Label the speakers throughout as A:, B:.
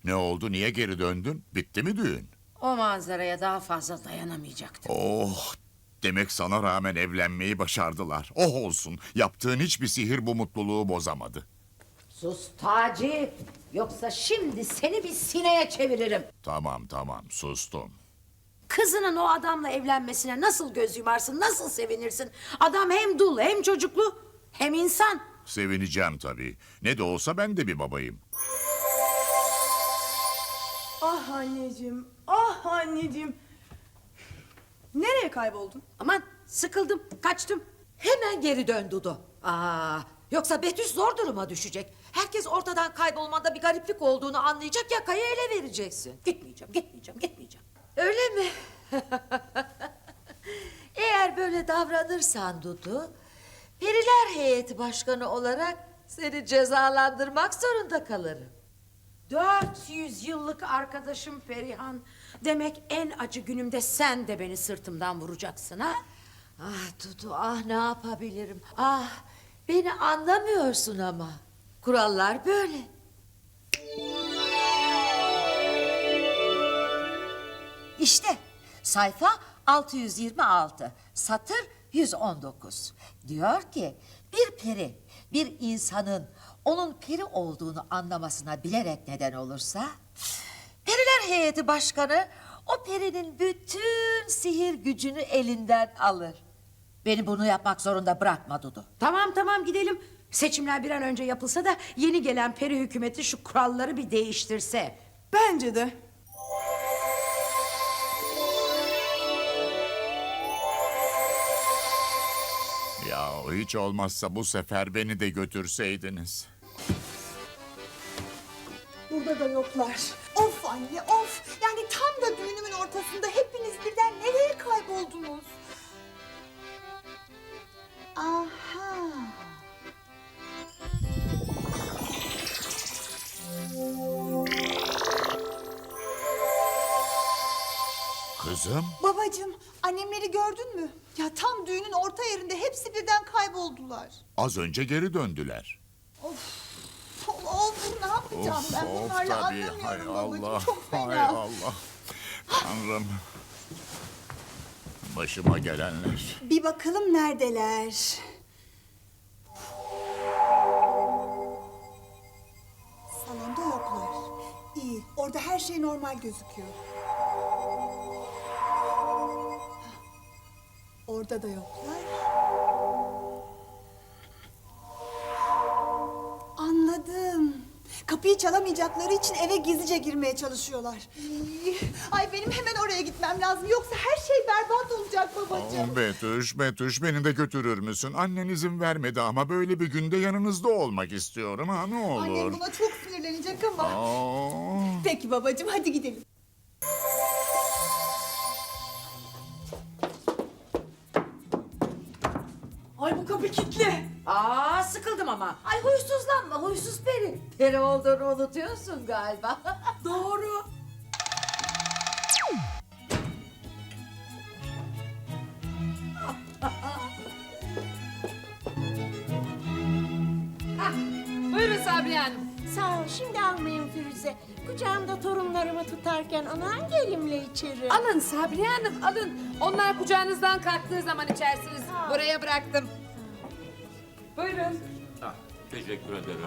A: Ne oldu, niye geri döndün? Bitti mi düğün?
B: O manzaraya daha fazla dayanamayacaktım.
A: Oh, demek sana rağmen evlenmeyi başardılar. Oh olsun, yaptığın hiçbir sihir bu mutluluğu bozamadı.
B: Sus Taci, yoksa şimdi seni bir sineye çeviririm.
A: Tamam, sustum.
B: Kızının o adamla evlenmesine nasıl göz yumarsın, nasıl sevinirsin? Adam hem dul, hem çocuklu, hem insan.
A: Sevineceğim tabii. Ne de olsa ben de bir babayım.
C: Ah anneciğim, ah anneciğim. Nereye kayboldun?
B: Aman sıkıldım, kaçtım. Hemen geri dön Dudu. Yoksa Betüş zor duruma düşecek. Herkes ortadan kaybolmanda bir gariplik olduğunu anlayacak, yakayı ele vereceksin. Gitmeyeceğim.
D: Öyle mi? Eğer böyle davranırsan Dudu, Periler Heyeti Başkanı olarak seni cezalandırmak zorunda kalırım.
B: 400 yıllık arkadaşım Perihan. Demek en acı günümde sen de beni sırtımdan vuracaksın ha?
D: Ah Dudu, ah ne yapabilirim? Ah, beni anlamıyorsun ama. Kurallar böyle. İşte sayfa 626, satır 119. Diyor ki bir peri bir insanın onun peri olduğunu anlamasına bilerek neden olursa, Periler Heyeti Başkanı o perinin bütün sihir gücünü elinden alır. Beni bunu yapmak zorunda bırakma Dudu.
B: Tamam gidelim. Seçimler bir an önce yapılsa da yeni gelen peri hükümeti şu kuralları bir değiştirse.
C: Bence de.
A: Ya hiç olmazsa bu sefer beni de götürseydiniz.
E: Burada da yoklar. Of anne of. Yani tam da düğünümün ortasında hepiniz birden nereye kayboldunuz? Aha.
A: Kızım,
E: Babacığım, annemleri gördün mü? Ya tam düğünün orta yerinde hepsi birden kayboldular.
A: az önce geri döndüler.
E: Of, ne yapacağım ben bunlarla
A: tabii.
E: anlamıyorum
A: Hay
E: babacığım.
A: Allah,
E: Çok
A: hay
E: fena.
A: Allah. Tanrım. Başıma gelenler.
E: Bir bakalım neredeler. Salonda yoklar. İyi, orada her şey normal gözüküyor. Orada da yoklar. Anladım. Kapıyı çalamayacakları için eve gizlice girmeye çalışıyorlar. Ay benim hemen oraya gitmem lazım. Yoksa her şey berbat olacak babacığım.
A: Betüş, beni de götürür müsün? Annen izin vermedi ama böyle bir günde yanınızda olmak istiyorum ha, ne olur.
E: Annem buna çok sinirlenecek ama.
A: Aa.
E: Peki babacığım, hadi gidelim.
C: Ay bu kapı kilitli.
B: Sıkıldım ama.
D: Ay huysuzlanma, huysuz peri. Peri olduğunu unutuyorsun galiba.
C: Doğru.
F: Buyurun Sabriye Hanım.
G: Sağ ol, şimdi almayın Firuze. Kucağımda torunlarımı tutarken aman gelimle içeri.
F: Alın Sabriye Hanım, alın. Onlar kucağınızdan kalktığı zaman içersiniz. Buraya bıraktım. Buyurun.
H: Teşekkür ederim.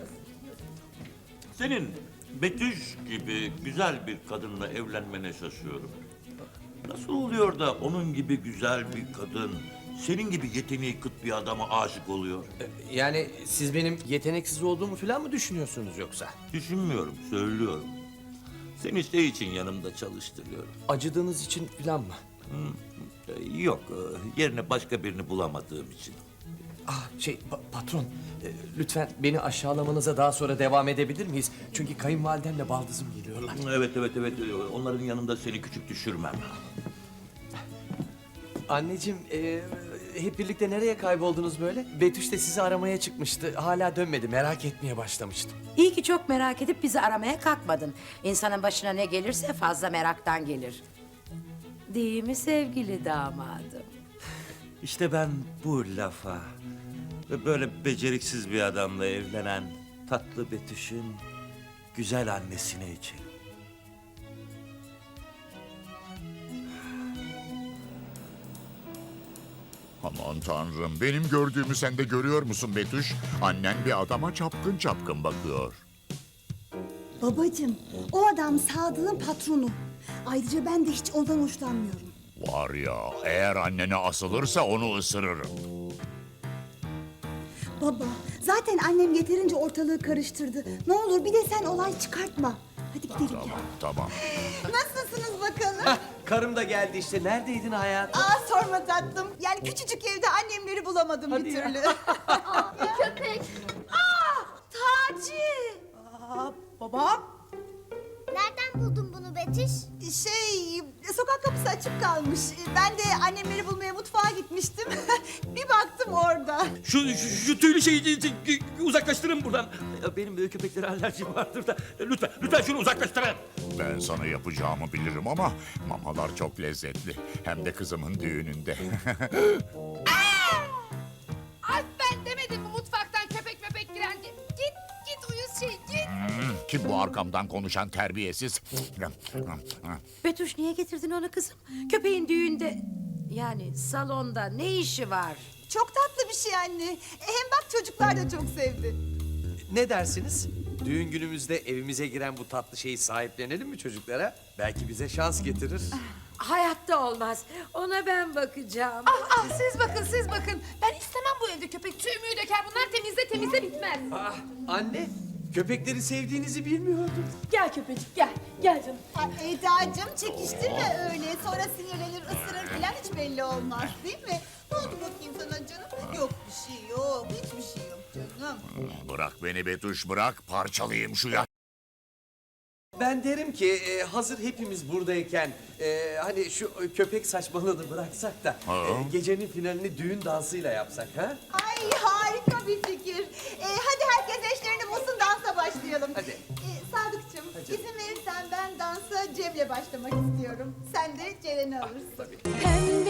H: Senin Betüş gibi güzel bir kadınla evlenmene şaşıyorum. Nasıl oluyor da onun gibi güzel bir kadın, senin gibi yeteneği kıt bir adama aşık oluyor?
I: Yani siz benim yeteneksiz olduğumu falan mı düşünüyorsunuz yoksa?
H: Düşünmüyorum, söylüyorum. Seni şey için yanımda çalıştırıyorum.
I: Acıdığınız için falan mı?
H: Yok, yerine başka birini bulamadığım için.
I: Patron, lütfen beni aşağılamanıza daha sonra devam edebilir miyiz? Çünkü kayınvalidemle baldızım geliyorlar.
H: Evet, onların yanında seni küçük düşürmem.
I: Anneciğim, hep birlikte nereye kayboldunuz böyle? Betüş de sizi aramaya çıkmıştı. Hala dönmedi, merak etmeye başlamıştım.
B: İyi ki çok merak edip bizi aramaya kalkmadın. İnsanın başına ne gelirse fazla meraktan gelir. Değil mi sevgili damadım?
H: İşte ben bu lafa ve böyle beceriksiz bir adamla evlenen tatlı Betüş'ün güzel annesine içelim.
A: Aman tanrım, benim gördüğümü sen de görüyor musun Betüş? Annen bir adama çapkın çapkın bakıyor.
E: Babacığım, o adam Sadık'ın patronu. Ayrıca ben de hiç ondan hoşlanmıyorum.
A: Var ya, eğer annene asılırsa onu ısırırım.
E: Baba, zaten annem yeterince ortalığı karıştırdı. Ne olur bir de sen olay çıkartma. Hadi gidelim.
A: Tamam, tamam.
E: Nasılsınız bakalım?
I: Karım da geldi işte. Neredeydin hayatım?
E: Aa sorma tatlım. Yani küçücük evde annemleri bulamadım bir türlü.
G: Köpek.
E: Taci!
C: Aa, babam.
G: Nereden buldun bunu Betüş?
E: Sokak kapısı açık kalmış. Ben de annemleri bulmaya mutfağa gitmiştim. Bir baktım orada.
J: Şu tüylü şeyi uzaklaştırın buradan. Benim köpeklere alerjim vardır da. Lütfen şunu uzaklaştırın.
A: Ben sana yapacağımı bilirim ama mamalar çok lezzetli. Hem de kızımın düğününde.
F: Ay ben demedim mi mutfaktan köpek möpek girer diye. Git uyuz şey git.
A: Kim bu arkamdan konuşan terbiyesiz?
B: Betüş niye getirdin onu kızım? Köpeğin düğünde yani salonda ne işi var?
E: Çok tatlı bir şey anne. Hem bak çocuklar da çok sevdi.
I: Ne dersiniz? Düğün günümüzde evimize giren bu tatlı şeyi sahiplenelim mi çocuklara? Belki bize şans getirir.
B: Hayatta olmaz. Ona ben bakacağım.
F: Siz bakın. Ben istemem bu evde köpek. Tüy döker bunlar temizle bitmez.
I: Ah, anne, köpekleri sevdiğinizi bilmiyordum.
C: Gel köpecik gel. Gel canım.
E: Ay Eda'cığım çekiştirme öyle. Sonra sinirlenir, ısırır falan hiç belli olmaz değil mi? Ne oldu bakayım sana canım? Yok bir şey yok. Hiçbir şey yok canım.
A: Bırak beni Betüş, bırak. Parçalayayım şu ya.
I: Ben derim ki hazır hepimiz buradayken hani şu köpek saçmalığını bıraksak da gecenin finalini düğün dansıyla yapsak ha?
E: Ay harika bir fikir. Hadi herkes eşlerini bulsun dansa başlayalım.
I: Hadi.
E: Sadıkçım izin verirsen ben dansa Cem'le başlamak istiyorum. Sen de Ceren'i alırsın.
G: Pembe